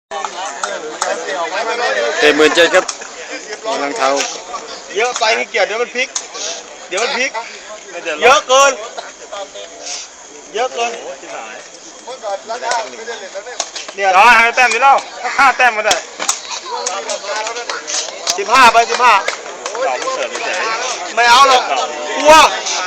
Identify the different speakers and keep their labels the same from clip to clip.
Speaker 1: 17,000ครับรองเท้า
Speaker 2: เยอะไปนี่เกียร์เดี๋ยวมันพลิกเยอะเกินเนี่ยร้อยให้แต้มนี่เล่า5 แต้มมาได้15 ไป 15ไม่เอาหรอกกลัว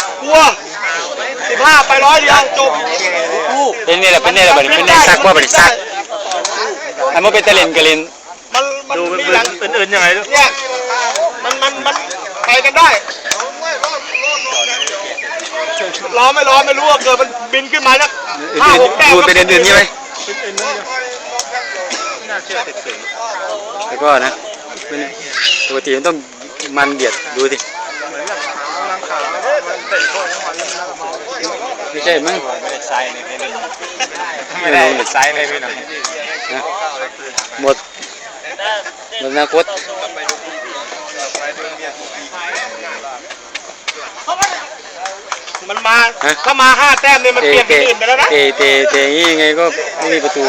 Speaker 2: 15 ไป100 เดียวจบ
Speaker 1: เป็นนี่แหละเป็นในซักว่าเป็นซักอันมันเป็นตะลินกะลิน
Speaker 2: มันดูอื่นๆยังไงเนี่ยมันไปกันได้ล้อไม่รู้ว่าเกิดมันบินขึ้นมาแล้ว5-6 แต้ม
Speaker 1: ดูเป็นอื่นๆใช่ไหมแล้วก็นะปกติมันต้องมันเดียดดูสิไม่ใช่มั้งไม่ได้ไซส์เลยพี่หน่อยหมดอนาคต
Speaker 2: มันมาถ้ามา5 แต้มเนี่ยมันเปลี่ยนอื่นไปแล้วนะ
Speaker 1: เตะอย่างนี้ยังไงก็ไม่มีประตู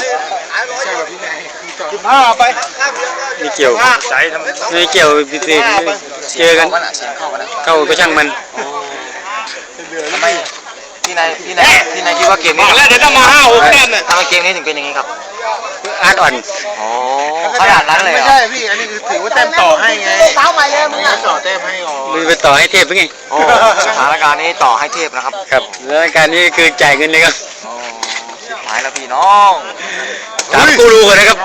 Speaker 2: 15 ไป
Speaker 1: ไม่เกี่ยวไม่เกี่ยวเจอกันเข้าก็ช่างมัน
Speaker 3: ทำไมพี่นายคิดว่าเกมนี้
Speaker 2: แล้วเดี๋ยวถ้ามา5-6 แต้มเนี่ย
Speaker 3: ทำไมเกมนี้ถึงเป็นอย่างนี้ครับ
Speaker 1: อาร์ตอ่อน
Speaker 3: อ๋อขนาดนั้นเลย
Speaker 2: ไม่ใช่พี่อันนี้คือถือว่าแต้มต่อให้ไงเท้าใหม่เลยมึงต่อแต้มให้
Speaker 1: มึงไปต่อให้เทพเป็นไง
Speaker 3: โอ้สถานการณ์นี้ต่อให้เทพนะครับ
Speaker 1: ครับสถานการณ์นี้คือจ่ายเงินเลยครับ
Speaker 3: หายแล้วพี่น้อง
Speaker 1: ถามกูรูก่อนนะครับ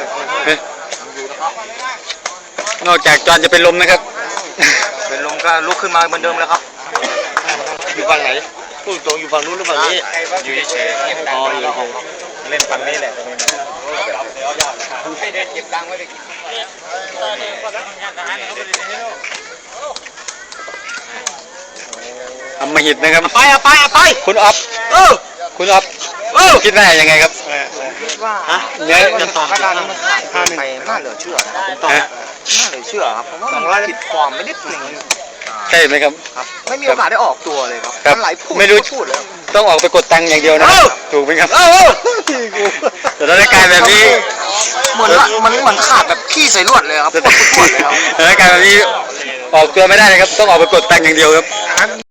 Speaker 1: นอกจากจอนจะเป็นลมนะครับ
Speaker 3: เป็นลมก็ลุกขึ้นมาเหมือนเดิมแล้วครับ
Speaker 2: อยู่ฝั่งไหนพูดตรงอยู่ฝั่งนู้นหรือฝั่งนี้
Speaker 3: อยู่เฉยๆอ๋ออยู่เล่นฝั่งนี้แหละเก็บตังค์ไว้ดิ
Speaker 1: อำมหิตนะครับ
Speaker 2: ไป
Speaker 1: คุณอ๊อฟคุณอ๊อฟคิดว่ายังไงครับ
Speaker 3: เนี่ยสถานการณ์นี้มันขาดไปน่าเหลือเชื่อนะครับน่าเหลือเชื่อครับผมว่ามันผิดฟอร์มไปนิดหนึ่ง
Speaker 1: ใช่ไหมครับ
Speaker 3: ไม่มีโอกาสได้ออกตัวเลยครับหลายพูด
Speaker 1: ไม่รู้เลยต้องออกไปกดตังค์อย่างเดียวนะถูกไหมครับแต่สถานการณ์แบบนี้
Speaker 3: เหมือนขาดแบบขี้ใส่ลวดเลยครับ
Speaker 1: สถานการณ์แบบนี้ออกตัวไม่ได้เลยครับต้องออกไปกดตังค์อย่างเดียวครับ